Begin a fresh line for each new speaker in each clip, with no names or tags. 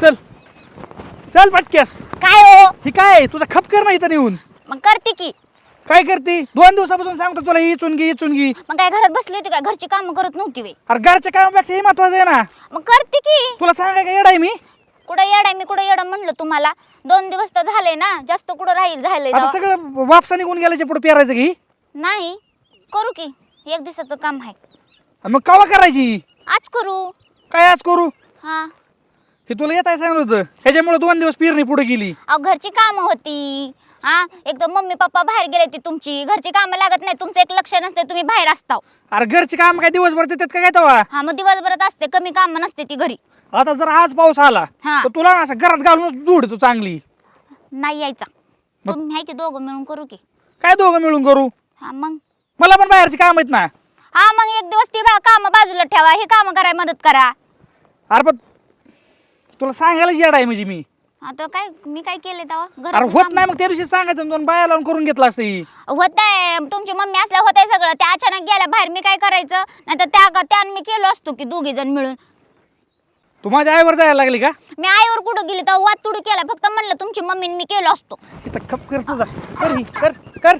चल चल पटक्यास.
काय हो
ही काय तुझा खपकर नाही इथं येऊन
मग करते की.
काय करते 2 दिवसापासून सांगतो तुला ही चुनगी.
मग काय घरात बसली होती काय घरची कामं करत नव्हती वे.
अरे घरच्या कामापेक्षा हे महत्वाचं आहे ना.
मग करते की.
तुला सांगाय का येडा आहे मी.
कुठं येडाय मी कुठं येडं म्हणलं तुम्हाला. 2 दिवस तर झाले ना जास्त कुठं राहील झालंय
आता
तेव्हा.
सगळं वापसा निघून गेल्याच्या पुढे पेरायचं की.
नाही करू की 1 दिवसाचं काम आहे.
मग कवा करायची.
आज करू.
काय आज करू.
हा
हे तुला येत आहे सांगितलं होतं ह्याच्यामुळे 2 दिवस पेरणी पुढे गेली.
अहो घरची कामं होती. हा एकदम मम्मी पप्पा बाहेर गेले ती तुमची घरची कामं लागत नाही तुमचं एक लक्ष नसते तुम्ही बाहेर असताव.
अरे घरचे काम काय दिवसभर देतात का काय तेव्हा.
हा मग दिवसभरात असते कमी काम नसते ती घरी.
आता जर आज पाऊस आला
हा.
तर तुला असं घरात घालून जोड तू चांगली.
नाही यायचा तुम्ही आहे की दोघं मिळून करू की.
काय दोघं मिळून करू.
हा मग
मला पण बाहेरची काम आहेत ना.
हा मग 1 दिवस ती काम बाजूला ठेवा हे काम करायला मदत करा.
अरे पण तुला सांगायला येडा आहे म्हणजे मी.
आता काय मी काय केले तेव्हा
अरे होत नाही मग त्या दिवशी सांगायचं 2 बाया लावून करून घेतला असतं ही.
होत आहे तुमची मम्मी असल्या होत आहे सगळं त्या अचानक गेल्या बाहेर मी काय करायचं नाही तर त्यानं मी केलो असतो की 2घी जण मिळून.
तू माझ्या आईवर जायला लागली का.
मी आईवर कुठं गेली तेव्हा वाद तुडू केला फक्त म्हणलं तुमची मम्मीने मी केलो असतो.
इथं खप कर तुझा कर ही, कर कर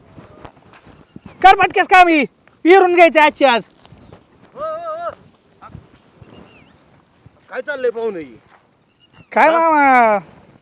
कर पटकेस काम ही पिरून घ्यायचे आजची आज.
काय चाललंय पाहुणे.
काय मामा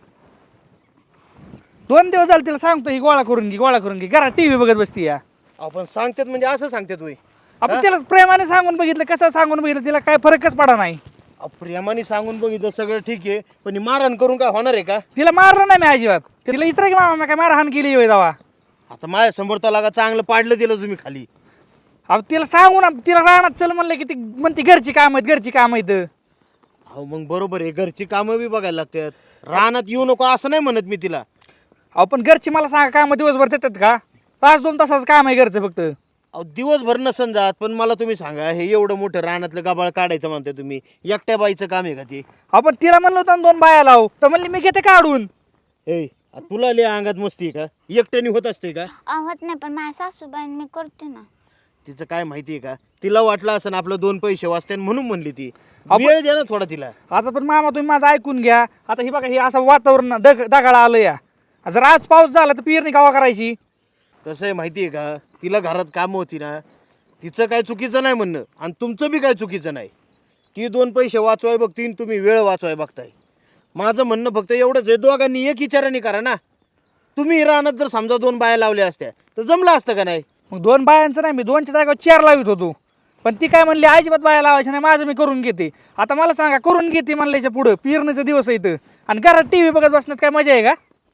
2 दिवस झाले तिला सांगतो ही गोळा करून घे घरात टीव्ही बघत बसती या.
आपण सांगतात म्हणजे असं सांगतात वय.
आपण तिला प्रेमाने सांगून बघितलं कसं सांगून बघितलं तिला काय फरकच पडा नाही.
प्रेमाने सांगून बघितलं सगळं ठीक आहे पण ही मारहाण करून काय होणार आहे का.
तिला मारलं नाही मी अजिबात. तिला इतर की मामा मी काय मारहाण केली होय दावा.
आता माझ्या समोर लागा चांगलं पाडलं दिलं तुम्ही खाली.
अहो तिला सांगून तिला रानात चल म्हणलं की ती म्हणते घरची काम आहेत.
अहो मग बरोबर आहे घरची कामं बी बघायला लागतात. रानात येऊ नको असं नाही म्हणत मी तिला.
अहो पण घरची मला सांगा काम दिवसभर देतात का. 5-2 तासाचं काम आहे घरचं फक्त.
अहो दिवसभर नसन जात पण मला तुम्ही सांगा हे एवढं मोठं रानातलं गाबाळ काढायचं म्हणताय तुम्ही एकट्या बाईचं काम आहे का ते.
आपण तिला म्हणलं होतं 2 बाया लाव तर म्हणली मी घेते काढून.
ए तुला लय अंगात मस्ती आहे का एकट्याने होत असते का.
होत नाही पण माझ्या सासूबाईन मी करते ना.
तिचं काय माहिती आहे का तिला वाटलं असं आपलं 2 पैसे वाचते म्हणून म्हणली ती. वेळ द्या ना थोडा तिला.
आता पण मामा तुम्ही माझं ऐकून घ्या. आता ही बघा हे असं वातावरण ढगाळा आलं या. जर आज पाऊस झाला तर पेरणी गावा करायची.
कसं आहे माहिती आहे का तिला घरात कामं होती ना तिचं काय चुकीचं नाही म्हणणं आणि तुमचं बी काय चुकीचं नाही. ती 2 पैसे वाचवाय बघती तुम्ही वेळ वाचवाय बघताय. माझं म्हणणं फक्त एवढंच आहे दोघांनी एक विचाराने करा ना. तुम्ही रानात जर समजा 2 बाया लावल्या असत्या तर जमलं असतं का नाही.
मग 2 बायांचं नाही मी 2च्या जागेवर 4 लावित होतो. पण ती काय म्हणली अजिबात बाया लावायची नाही माझं मी करून घेते. आता मला सांगा करून घेते म्हणल्याच्या पुढं पेरणीचा दिवस येतं आणि घरात टीव्ही बघत बसण्यात काय मजा आहे का.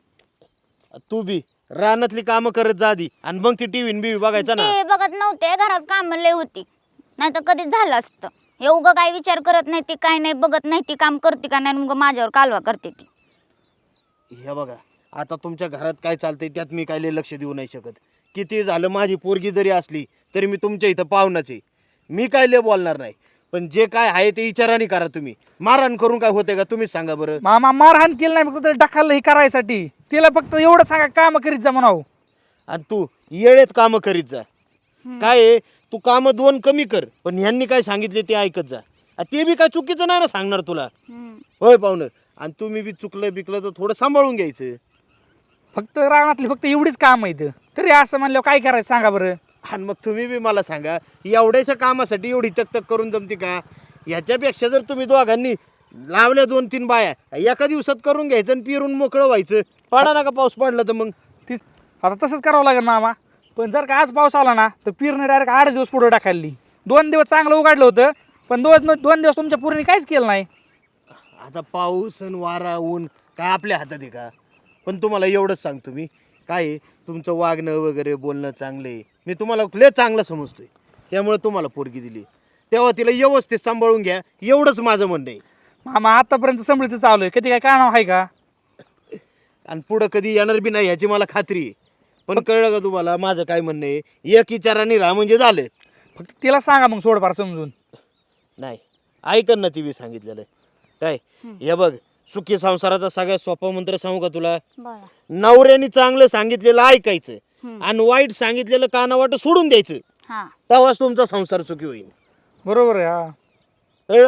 तू बी रानातली कामं करत जा आधी आणि मग ती टीव्ही बीव्ही बघायचा ना.
ते बघत नव्हते घरात काम लय होती नाही तर कधीच झालं असतं. हे उगं काय विचार करत नाही ती काय नाही बघत नाही ती काम करते का नाही मग माझ्यावर कालवा करते ती.
हे बघा आता तुमच्या घरात काय चालतंय त्यात मी काय लय लक्ष देऊ नाही शकत. किती झालं माझी पोरगी जरी असली तरी मी तुमच्या इथं पाहुणाच आहे. मी काय लय बोलणार नाही पण जे काय आहे ते विचाराने करा तुम्ही. मारहाण करून काय होते का तुम्हीच सांगा बरं.
मामा मारहाण केलं नाही फक्त ढकललं हे करायसाठी. तिला फक्त एवढं सांगा काम करीत जा म्हणावं.
आणि तू येळेत कामं करीत जा. काय आहे तू कामं 2 कमी कर पण ह्यांनी काय सांगितले ते ऐकत जा. ते बी काय चुकीचं नाही ना सांगणार तुला. होय पाहुणं आणि तुम्ही बी चुकलं बिकलं तर थोडं सांभाळून घ्यायचं.
फक्त रानातली फक्त एवढीच काम आहेत तरी असं म्हणल्यावर काय करायचं सांगा बरं.
आणि मग तुम्ही बी मला सांगा एवढ्याशा कामासाठी एवढी तक करून जमते का. ह्याच्यापेक्षा जर तुम्ही दोघांनी लावल्या 2-3 बाया एका दिवसात करून घ्यायचं आणि पिरून मोकळं व्हायचं. पडा ना का पाऊस पडला तर मग
तीच आता तसंच करावं लागेल मामा. पण जर का आज पाऊस आला ना तर पेरणी डायरेक्ट 8 दिवस पुढे टाकायली. 2 दिवस चांगलं उघडलं होतं पण 2 दिवस तुमच्या पूर्ण काहीच केलं नाही.
आता पाऊस आणि वारा ऊन काय आपल्या हातात आहे का. पण तुम्हाला एवढंच सांगतो मी काय आहे, तुमचं वागणं वगैरे बोलणं चांगलं आहे. मी तुम्हाला लय चांगलं समजतोय त्यामुळे तुम्हाला पोरगी दिली. तेव्हा तिला व्यवस्थित सांभाळून घ्या एवढंच माझं म्हणणं आहे.
मामा आतापर्यंत समृद्धी चालू आहे कधी काय कानाव आहे का.
आणि पुढं कधी येणार बी नाही ह्याची मला खात्री आहे. पण कळलं का तुम्हाला माझं काय म्हणणं आहे. एक विचाराने राहा म्हणजे झालं.
फक्त तिला सांगा मग थोडंफार समजून.
नाही ऐकन ना ती बी सांगितलेलं काय. हे बघ सुखी संसाराचा सगळ्यात सोपा मंत्र सांगू का तुला. नवऱ्याने चांगलं सांगितलेलं ऐकायचं आणि वाईट सांगितलेलं कानावाट सोडून द्यायचं. तेव्हाच तुमचा संसार सुखी होईल.
बरोबर आहे. हा
कळलं.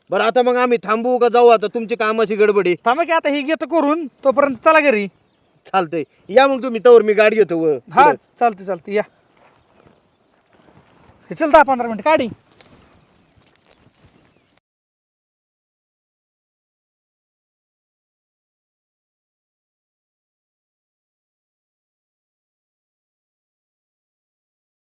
बरं आता मग आम्ही थांबू का जाऊ? आता तुमची कामाची गडबडी.
थांबा की आता हे घेतो करून, तोपर्यंत चला घरी.
चालतंय, या मग तुम्ही, तवर मी गाडी घेतो
हा चालते चालते या. हे चल 10-15 मिनिट गाडी.